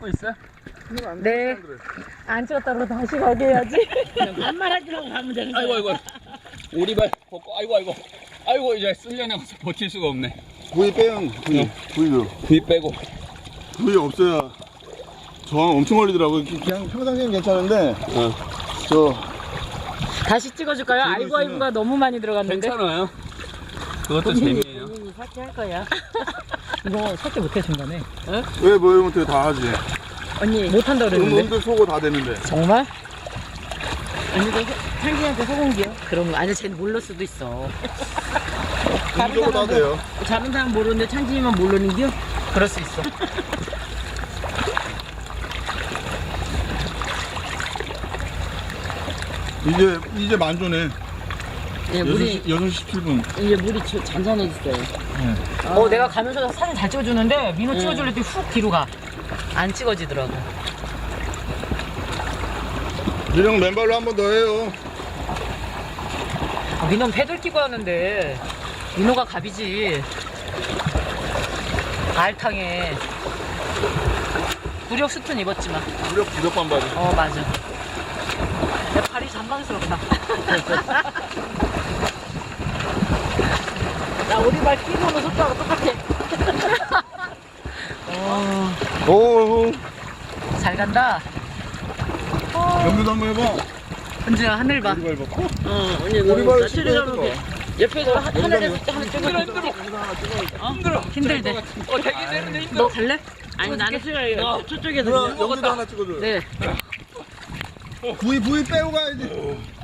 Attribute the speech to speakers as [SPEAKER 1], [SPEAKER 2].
[SPEAKER 1] 찍고 있어요?
[SPEAKER 2] 네. 안 찍었다고 다시 가게 해야지.
[SPEAKER 3] 반말하지라고 가면 되는 거야.
[SPEAKER 1] 아이고 오리발 벗고 아이고 이제 쓸려나가서 버틸 수가 없네.
[SPEAKER 4] 부위 빼요. 부위도.
[SPEAKER 1] 부위 빼고.
[SPEAKER 4] 부위 없어야 저항 엄청 걸리더라고요. 그냥 평상시엔 괜찮은데 저
[SPEAKER 2] 다시 찍어줄까요? 아이고 아이고가 너무 많이 들어갔는데.
[SPEAKER 1] 괜찮아요. 그것도 재미예요.
[SPEAKER 2] 본인이 삭제할 거야. 이거 삭제 못해 중간에.
[SPEAKER 4] 왜 뭐 이런 것들 다 하지?
[SPEAKER 2] 언니 못한다 그랬는데.
[SPEAKER 4] 음들 속어 다 되는데.
[SPEAKER 2] 정말? 언니도 창진이한테 소공기요? 그럼 아니 쟤는 몰랐을 수도 있어.
[SPEAKER 4] 음적으로 다 돼요.
[SPEAKER 2] 다른 사람 모르는데 창진이만 모르는겨? 그럴 수 있어.
[SPEAKER 4] 이제 만조네.
[SPEAKER 2] 예, 물이
[SPEAKER 4] 6시 7분.
[SPEAKER 2] 이제 물이 잔잔해졌어요. 내가 가면서 사진 잘 찍어주는데 민호 찍어줄 때 훅 뒤로 가. 안 찍어지더라고.
[SPEAKER 4] 민영 맨발로 한 번 더 해요.
[SPEAKER 2] 민호는 패들 끼고 하는데 민호가 갑이지. 알탕에 구력 수트는 입었지만.
[SPEAKER 4] 무력 부적 반바지.
[SPEAKER 2] 맞아. 내 발이 잔망스럽다. 나 오리발 끼고 오는 속도하고 똑같아.
[SPEAKER 4] 오.
[SPEAKER 2] 잘 간다.
[SPEAKER 4] 연기도 한번 해봐.
[SPEAKER 2] 은주야 하늘 봐.
[SPEAKER 4] 오리발 벗고.
[SPEAKER 2] 언니
[SPEAKER 4] 오리발 신고 해봐.
[SPEAKER 2] 옆에서 하늘에서 하늘 찍어.
[SPEAKER 1] 힘들어.
[SPEAKER 2] 힘들대.
[SPEAKER 1] 되긴 되는데 힘들어.
[SPEAKER 2] 너 갈래? 아니 나는 싫어요. 저쪽에서.
[SPEAKER 4] 연기도 하나 찍어줘.
[SPEAKER 2] 네.
[SPEAKER 4] 부위 빼고 가야지.